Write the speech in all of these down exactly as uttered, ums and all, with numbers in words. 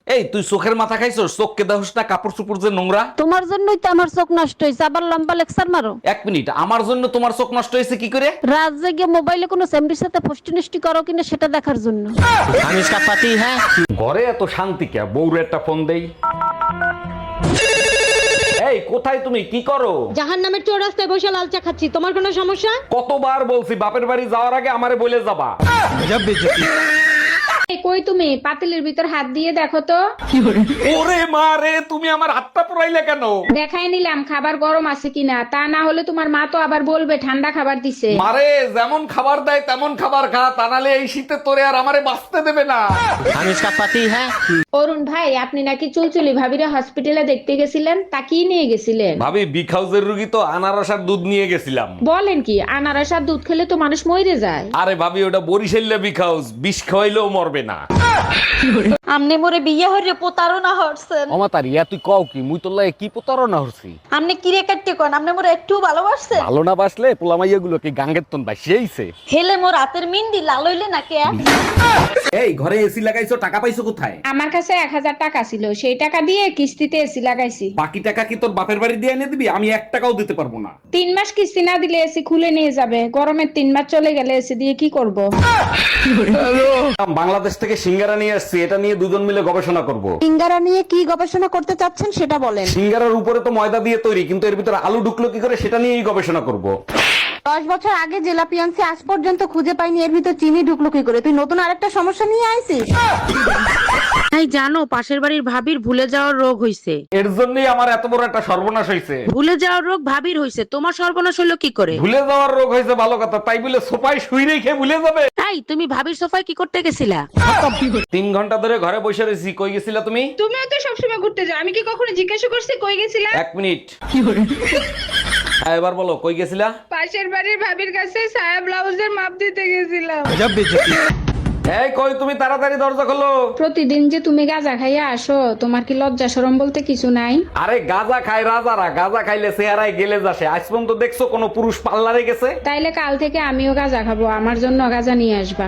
এই তুই চোখের মাথা খাইছস? চোখকে দেখোস না কাপড় চোপড় যে নোংরা? তোমার জন্যই তো আমার চোখ নষ্ট হয়েছে, আবার লম্বা লেকচার মারো। এক মিনিট, আমার জন্য তোমার চোখ নষ্ট হয়েছে কি করে? রাত জেগে মোবাইলে কোনো সেমরির সাথে ফষ্টি নষ্টি করো কিনা সেটা দেখার জন্য। हम इसका पति है। ঘরে এত শান্তি কে? বউরে একটা ফোন দেই। এই কোথায় তুমি, কি করো? জাহান নামের চৌরাস্তায় বসে লাল চা খাচ্ছি, তোমার কোনো সমস্যা? কতবার বলছি বাপের বাড়ি যাওয়ার আগে আমারে বলে যাবা। এই কই তুমি? পাতিলের ভিতর হাত দিয়ে দেখো তো। ওরে মা রে, তুমি আমার হাতটা পুরাইলে কেন? দেখাই নিলাম খাবার গরম আছে কিনা, তা না হলে তোমার মা তো আবার বলবে ঠান্ডা খাবার দিছে। মারে যেমন খাবার দেয় তেমন খাবার খা, তা নাহলে এই শীতে তোরে আর আমারে বাঁচতে দেবে না। हम इसका पति है। অরুণ ভাই, আপনি নাকি চুলচুলি ভাবিরে হসপিটালে দেখতে গেছিলেন, তা কি নিয়ে গেছিলেন? ভাবি বিগ হাউসের রুগী তো আনারস আর দুধ নিয়ে গেছিলাম। বলেন কি, আনারস আর দুধ খেলে তো মানুষ মরে যায়। আরে ভাবি ওটা বরিশাল্লা বিগ হাউস, বিষ খাওয়াইলেও মরবে না। আমনে মোরে বিয়ে হইরে প্রতারণা হরছেন। অমাতার ইয়া তুই কও কি? মুই তোর লাগে কি প্রতারণা হচ্ছি? আমনে কিরে কাটতে কোন আমনে মোরে একটু ভালোবাসছেন। ভালো না বাসলে পোলামাইয়া গুলো কি গাঙ্গের তন বাসিয়েছে? হেলে মোর রাতের মিন্দি লাল হইলে না কে? এই ঘরে এসি লাগাইছো, টাকা পাইছো কোথায়? আমার কাছে এক হাজার টাকা ছিল, সেই টাকা দিয়ে কিস্তিতে এসি লাগাইছি। বাকি টাকা কি তোর বাপের বাড়ি দিয়ে এনে দিবি? আমি এক টাকাও দিতে পারবো না। তিন মাস কিস্তি না দিলে এসি খুলে নিয়ে যাবে, গরমের তিন মাস চলে গেলে এসি দিয়ে কি করব? বাংলাদেশ থেকে সিঙ্গারা নিয়ে আসছি, এটা নিয়ে দুজন মিলে গবেষণা করব। সিঙ্গারা নিয়ে কি গবেষণা করতে চাচ্ছেন সেটা বলেন। সিঙ্গারার উপরে তো ময়দা দিয়ে তৈরি, কিন্তু এর ভিতরে আলু ঢুকলো কি করে সেটা নিয়েই গবেষণা করব। দশ বছর আগে জেলা পিয়ান্সি আজ পর্যন্ত খুঁজে পাইনি, এর ভিতর চিনি ঢুকলো কি করে? তুই নতুন আরেকটা সমস্যা নিয়ে আইছিস। তাই জানো পাশের বাড়ির ভাবির ভুলে যাওয়ার রোগ হইছে। এর জন্যই আমার এত বড় একটা সর্বনাশ হয়েছে। ভুলে যাওয়ার রোগ ভাবির হইছে, তোমার সর্বনাশ হলো কি করে? ভুলে যাওয়ার রোগ হয়েছে ভালো কথা, তাই বলে সোফায় শুই রেখে ভুলে যাবে? তাই তুমি ভাবির সোফায় কি করতে গেছিলা? তিন ঘন্টা ধরে ঘরে বসে রয়েছি, কই গেছিলা তুমি? তুমিও তো সবসময় ঘুরতে যাও, আমি কি কখনো জিজ্ঞাসা করছি কই গেছিলা? এক মিনিট, হ্যাঁ, এবার বলো কই গেছিলা? পাশের বাড়ির ভাবির কাছে সায়া ব্লাউজের মাপ দিতে গেছিলাম। এই কই তুমি, তাড়াতাড়ি দরজা খোলো। প্রতিদিন যে তুমি গাঁজা খাইয়া আসো, তোমার কি লজ্জা শরম বলতে কিছু নাই? আরে গাঁজা খায় রাজারা, গাঁজা খাইলে চেহারায় গেলে যাসে। আজ পর্যন্ত দেখছো কোনো পুরুষ পার্লারে গেছে? তাইলে কাল থেকে আমিও গাঁজা খাবো, আমার জন্য গাঁজা নিয়ে আসবা।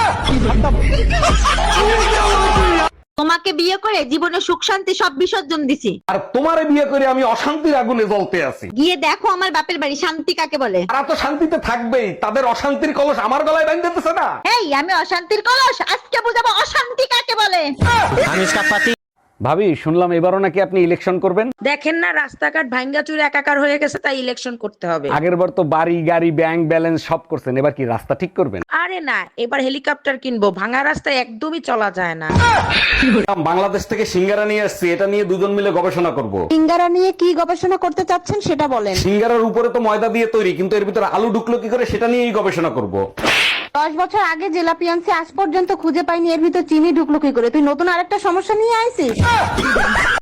তোমাকে বিয়ে করে জীবনে সুখ শান্তি সব বিসর্জন দিছি। আর তোমারে বিয়ে করে আমি অশান্তির আগুনে জ্বলতে আছি। গিয়ে দেখো আমার বাপের বাড়ি শান্তি কাকে বলে। তারা তো শান্তিতে থাকবেই, তাদের অশান্তির কলস আমার গলায় বাঁধতেছে না। এই আমি অশান্তির কলস, আজকে বুঝাবো অশান্তি কাকে বলে। हम इसका पति। ভাবি শুনলাম এবারও নাকি আপনি ইলেকশন করবেন? দেখেন না রাস্তাঘাট ভাঙ্গা চুরে একাকার হয়ে গেছে, তাই ইলেকশন করতে হবে। আগের বার তো বাড়ি গাড়ি ব্যাংক ব্যালেন্স সব করছেন, এবার কি রাস্তা ঠিক করবেন? আরে না, এবার হেলিকপ্টার কিনবো, ভাঙা রাস্তায় একদমই চলা যায় না। বাংলাদেশ থেকে সিঙ্গারা নিয়ে আসছি, এটা নিয়ে দুজন মিলে গবেষণা করব। সিঙ্গারা নিয়ে কি গবেষণা করতে চাচ্ছেন সেটা বলেন। সিঙ্গারার উপরে তো ময়দা দিয়ে তৈরি, কিন্তু এর ভিতরে আলু ঢুকলো কি করে সেটা নিয়েই গবেষণা করব। দশ বছর আগে জেলা পিয়ান্সি আজ পর্যন্ত খুঁজে পাইনি, এর ভিতর চিনি ঢুকলো কি করে? তুই নতুন আরেকটা সমস্যা নিয়ে আইছিস।